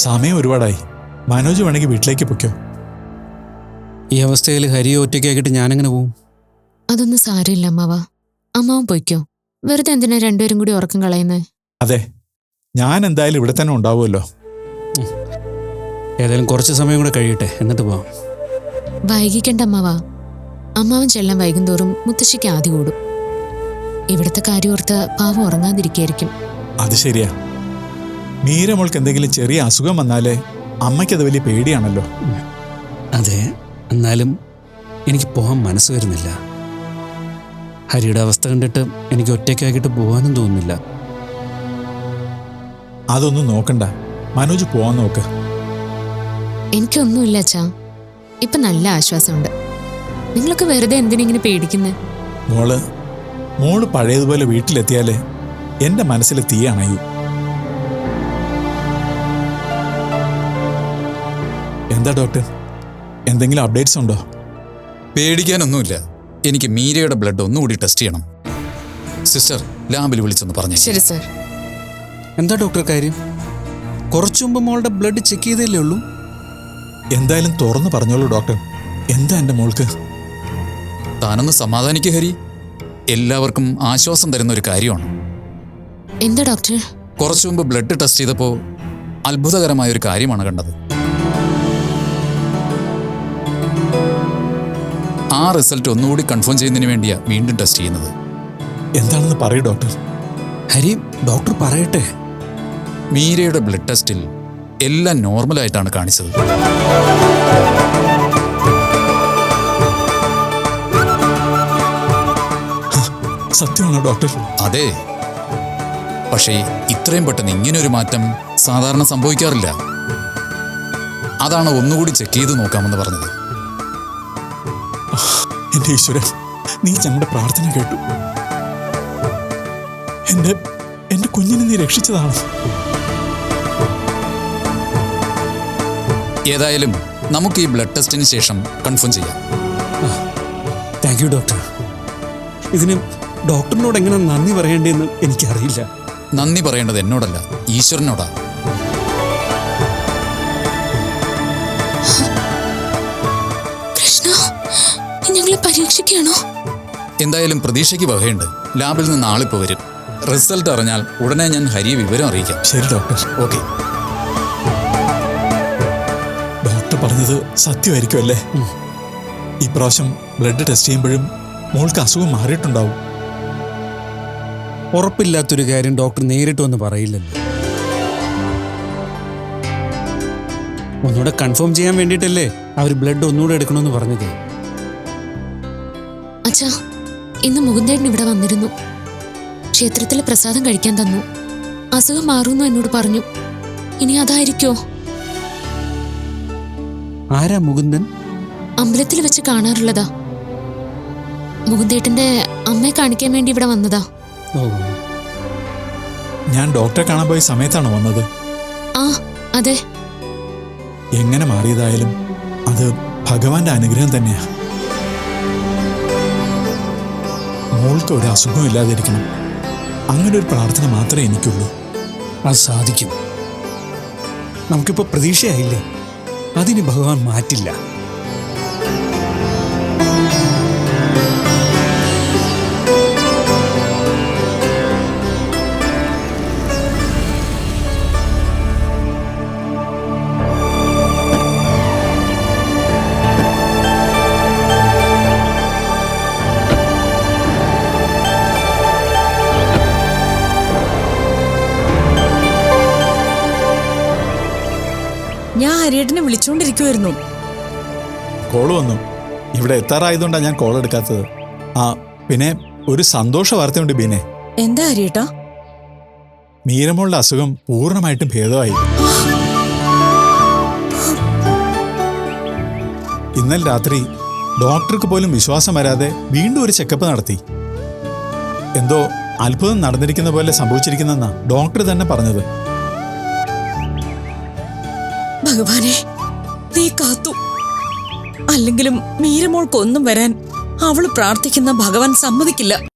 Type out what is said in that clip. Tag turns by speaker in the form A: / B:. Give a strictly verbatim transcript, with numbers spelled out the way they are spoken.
A: സമയം ഒരുപാടായി. മനോജ് വേണമെങ്കിൽ വീട്ടിലേക്ക് പൊയ്ക്കോ.
B: ഈ അവസ്ഥയിൽ ഹരിയെ ഒറ്റയ്ക്കാക്കിയിട്ട് ഞാനെങ്ങനെ പോവും?
C: അതൊന്നും സാരമില്ല അമ്മാവ. അമ്മാവൻ പൊയ്ക്കോ. വെറുതെ എന്തിനാ രണ്ടുപേരും കൂടി ഉറക്കം കളയുന്നേ?
A: അതെ, ഞാൻ എന്തായാലും ഇവിടെ തന്നെ ഉണ്ടാവുമല്ലോ.
B: ഏതായാലും കുറച്ച് സമയം കൂടെ കഴിയട്ടെ, എന്നിട്ട് പോവാം.
C: വൈകിക്കണ്ട അമ്മാവ. അമ്മാവൻ ചെല്ലാൻ വൈകുന്തോറും മുത്തശ്ശിക്ക് ആദ്യ കൂടും. ഇവിടുത്തെ കാര്യം ഓർത്ത് പാവം ഉറങ്ങാതിരിക്കായിരിക്കും.
A: അത് ശരിയാ. മീരമോൾക്ക് എന്തെങ്കിലും ചെറിയ അസുഖം വന്നാലേ അമ്മയ്ക്കത് വലിയ പേടിയാണല്ലോ.
B: അതെ, എന്നാലും എനിക്ക് പോകാൻ മനസ്സ് വരുന്നില്ല. ഹരിയുടെ അവസ്ഥ കണ്ടിട്ട് എനിക്ക് ഒറ്റയ്ക്കാക്കിയിട്ട് പോകാനും തോന്നുന്നില്ല.
A: അതൊന്നും നോക്കണ്ട, മനോജ് പോവാൻ നോക്ക്.
C: എനിക്കൊന്നുമില്ല അച്ഛാ, ഇപ്പൊ നല്ല ആശ്വാസമുണ്ട്. നിങ്ങളൊക്കെ വെറുതെ എന്തിനിങ്ങനെ പേടിക്കുന്നേ?
A: മോള് മോള് പഴയതുപോലെ വീട്ടിലെത്തിയാലേ എന്റെ മനസ്സിൽ തീ അണയൂ. എന്താ ഡോക്ടർ, എന്തെങ്കിലും അപ്ഡേറ്റ്സ് ഉണ്ടോ?
D: പേടിക്കാനൊന്നുമില്ല. എനിക്ക് മീരയുടെ ബ്ലഡ് ഒന്നുകൂടി ടെസ്റ്റ് ചെയ്യണം. സിസ്റ്റർ, ലാബിൽ വിളിച്ചൊന്ന് പറഞ്ഞു.
C: ശരി സർ.
B: എന്താ ഡോക്ടർ കാര്യം? കുറച്ചു മുമ്പ് മോളുടെ ബ്ലഡ് ചെക്ക് ചെയ്തല്ലേ ഉള്ളൂ.
A: എന്തായാലും തുറന്നു പറഞ്ഞോളൂ ഡോക്ടർ, എന്താ എൻ്റെ മോൾക്ക്?
D: താനൊന്ന് സമാധാനിക്കുക ഹരി. എല്ലാവർക്കും ആശ്വാസം തരുന്ന ഒരു കാര്യമാണ്.
C: എന്താ ഡോക്ടർ?
D: കുറച്ചു മുമ്പ് ബ്ലഡ് ടെസ്റ്റ് ചെയ്തപ്പോൾ അത്ഭുതകരമായ ഒരു കാര്യമാണ് കണ്ടത്. ആ റിസൾട്ട് ഒന്നുകൂടി കൺഫേം ചെയ്യുന്നതിന് വേണ്ടിയാ വീണ്ടും ടെസ്റ്റ് ചെയ്യുന്നത്.
A: എന്താണെന്ന് പറയൂ ഡോക്ടർ.
B: ഹരി, ഡോക്ടർ പറയട്ടെ.
D: മീരയുടെ ബ്ലഡ് ടെസ്റ്റിൽ എല്ലാം നോർമലായിട്ടാണ് കാണിച്ചത്.
A: സത്യമാണോ ഡോക്ടർ?
D: അതെ, പക്ഷേ ഇത്രയും പെട്ടെന്ന് ഇങ്ങനൊരു മാറ്റം സാധാരണ സംഭവിക്കാറില്ല. അതാണ് ഒന്നുകൂടി ചെക്ക് ചെയ്ത് നോക്കാമെന്ന് പറഞ്ഞത്.
A: എന്റെ ഈശ്വരൻ, നീ ഞങ്ങളുടെ പ്രാർത്ഥന കേട്ടു. എന്റെ എന്റെ കുഞ്ഞിനെ നീ രക്ഷിച്ചതാണ്.
D: ഏതായാലും നമുക്ക് ഈ ബ്ലഡ് ടെസ്റ്റിന് ശേഷം കൺഫേം ചെയ്യാം.
B: Thank you doctor. ഇതിന് ഡോക്ടറിനോട് എങ്ങനെ നന്ദി പറയേണ്ടതെന്ന് എനിക്കറിയില്ല.
D: നന്ദി പറയേണ്ടത് എന്നോടല്ല, ഈശ്വരനോടാ.
C: കൃഷ്ണ, ഞങ്ങളെ പരീക്ഷിക്കുകയാണോ?
D: എന്തായാലും പ്രതീക്ഷയ്ക്ക് വകയുണ്ട്. ലാബിൽ നിന്ന് ആളിപ്പോ വരും. റിസൾട്ട് അറിഞ്ഞാൽ ഉടനെ ഞാൻ ഹരിയെ വിവരം അറിയിക്കാം.
A: ശരി ഡോക്ടർ.
D: ഓക്കെ.
A: ഡോക്ടർ പറഞ്ഞത് സത്യമായിരിക്കും അല്ലേ? ഇപ്രാവശ്യം ബ്ലഡ് ടെസ്റ്റ് ചെയ്യുമ്പോഴും മോൾക്ക് അസുഖം മാറിയിട്ടുണ്ടാവും.
B: ഉറപ്പില്ലാത്തൊരു കാര്യം ഡോക്ടർ നേരിട്ട് വന്ന് പറയില്ലല്ലോ. ഒന്നുകൂടെ കൺഫേം ചെയ്യാൻ വേണ്ടിയിട്ടല്ലേ അവർ ബ്ലഡ് ഒന്നുകൂടെ എടുക്കണമെന്ന് പറഞ്ഞത്.
C: അച്ഛാ, ഇന്ന് മുകുന്ദേട്ടൻ ഇവിടെ വന്നിരുന്നു. ക്ഷേത്രത്തിലെ പ്രസാദം കഴിക്കാൻ തന്നു. അസുഖം മാറുന്നു എന്നോട് പറഞ്ഞു. ഇനി അതായിരിക്കോ?
B: ആരാ മുകുന്ദൻ?
C: അമ്പലത്തിൽ വെച്ച് കാണാറുള്ളതാ. മുകുന്ദേട്ടന്റെ അമ്മയെ കാണിക്കാൻ വേണ്ടി ഇവിടെ വന്നതാ.
B: ഓ,
A: ഞാൻ ഡോക്ടറെ കാണാൻ പോയ സമയത്താണ് വന്നത്.
C: ആ അതെ.
A: എങ്ങനെ മാറിയതായാലും അത് ഭഗവാന്റെ അനുഗ്രഹം തന്നെയാ. മോൾക്ക് ഒരു അസുഖവും ഇല്ലാതിരിക്കണം, അങ്ങനെ ഒരു പ്രാർത്ഥന മാത്രമേ എനിക്കുള്ളൂ.
B: അത് സാധിക്കും. നമുക്കിപ്പോ പ്രതീക്ഷയായില്ലേ, അതിന് ഭഗവാൻ മാറ്റില്ല.
E: ഞാൻ ഹരിയേട്ടനെ വിളിച്ചുകൊണ്ടിരിക്കുമായിരുന്നു.
A: കോള് വന്നു. ഇവിടെ എത്താറായതുകൊണ്ടാണ് ഞാൻ കോൾ എടുക്കാത്തത്. ആ പിന്നെ ഒരു സന്തോഷ വാർത്തയുണ്ട് ബീനെ.
E: എന്താ ഹരിയേട്ടാ?
A: മീരമോളുടെ അസുഖം പൂർണ്ണമായിട്ടും ഭേദമായി. ഇന്നലെ രാത്രി ഡോക്ടർക്ക് പോലും വിശ്വാസം വരാതെ വീണ്ടും ഒരു ചെക്കപ്പ് നടത്തി. എന്തോ അത്ഭുതം നടന്നിരിക്കുന്ന പോലെ സംഭവിച്ചിരിക്കുന്നെന്നാ ഡോക്ടർ തന്നെ പറഞ്ഞത്.
E: ഭഗവാനെ, നീ കാത്തു. അല്ലെങ്കിലും മീരമോൾക്കൊന്നും വരാൻ അവള് പ്രാർത്ഥിക്കുന്ന ഭഗവാൻ സമ്മതിക്കില്ല.